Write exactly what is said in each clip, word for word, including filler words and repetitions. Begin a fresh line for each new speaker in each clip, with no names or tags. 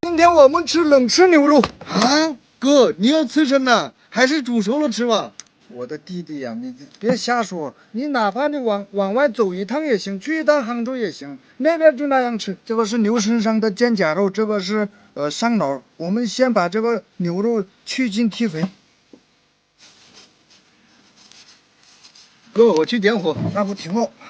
今天我们吃冷吃牛肉
啊！哥，你要刺身呢，还是煮熟了吃吧？
我的弟弟呀、啊，你别瞎说，你哪怕你往往外走一趟也行，去一趟杭州也行，那边就那样吃。这个是牛身上的肩胛肉，这个是呃上脑。我们先把这个牛肉去筋剔肥。
哥，我去点火。
那不挺好？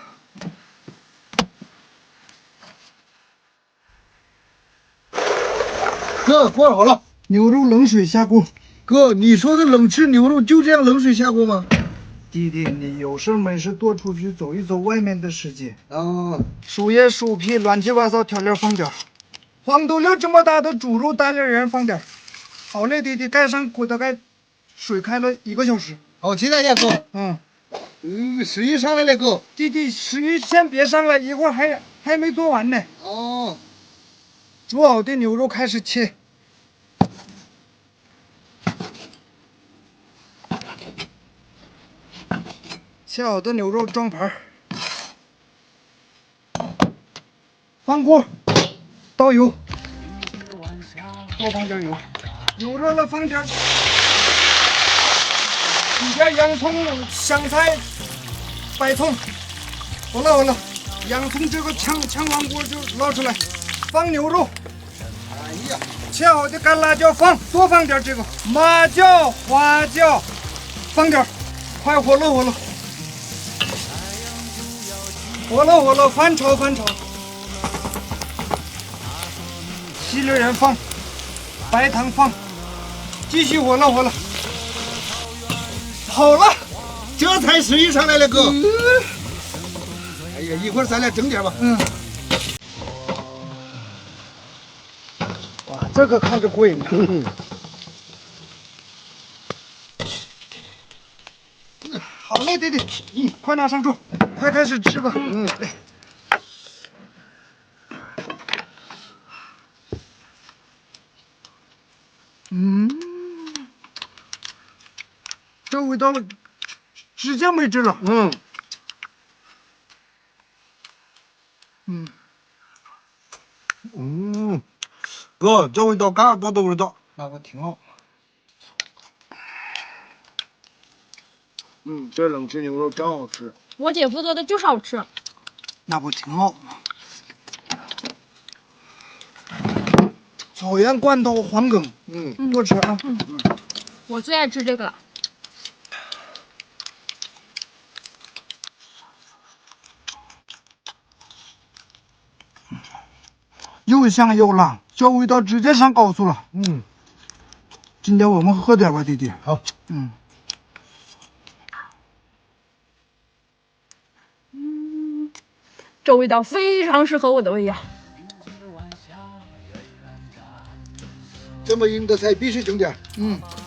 哥，锅好了，
牛肉冷水下锅。
哥，你说的冷吃牛肉就这样冷水下锅吗？
弟弟，你有事没事多出去走一走外面的世界。
啊，
薯叶、薯皮、乱七八糟调料放点儿，黄豆粒这么大的猪肉大粒人放点儿。好嘞，弟弟，盖上锅，大概水开了一个小时。
好期待呀，哥。
嗯，
嗯，食欲上来了，哥。
弟弟，食欲先别上来，一会儿还还没做完呢。
哦，
煮好的牛肉开始切。切好的牛肉装盘，放锅，倒油，多放点油，油热了放点，几片洋葱、香菜、白葱，好了好了，洋葱这个炝炝完锅就捞出来，放牛肉。
哎呀，
切好的干辣椒放，多放点这个麻椒、花椒，放点，快火了火了。火了火了，翻炒翻炒，西榴仁放，白糖放，继续火了火了，好了，
这才食欲上来了，哥。嗯、哎呀，一会儿咱俩整点吧。
嗯。哇，这个看着过瘾啊。嗯。好嘞，弟弟，嗯，快拿上桌，快开始吃吧。嗯。嗯，这味道直接没治了。
嗯。
嗯。
嗯，哥，这味道嘎嘎的味道，
那个挺好。嗯，这冷吃牛肉真好吃。
我姐夫做的就是好吃。
那不挺好吗？草原罐头黄梗，嗯，
嗯
多吃啊。
嗯，我最爱吃这个了。
又香又辣，这味道直接上高速了。
嗯，
今天我们喝点吧，弟弟。
好。
嗯。
嗯，这味道非常适合我的胃呀。
这么硬的菜必须整点。
嗯。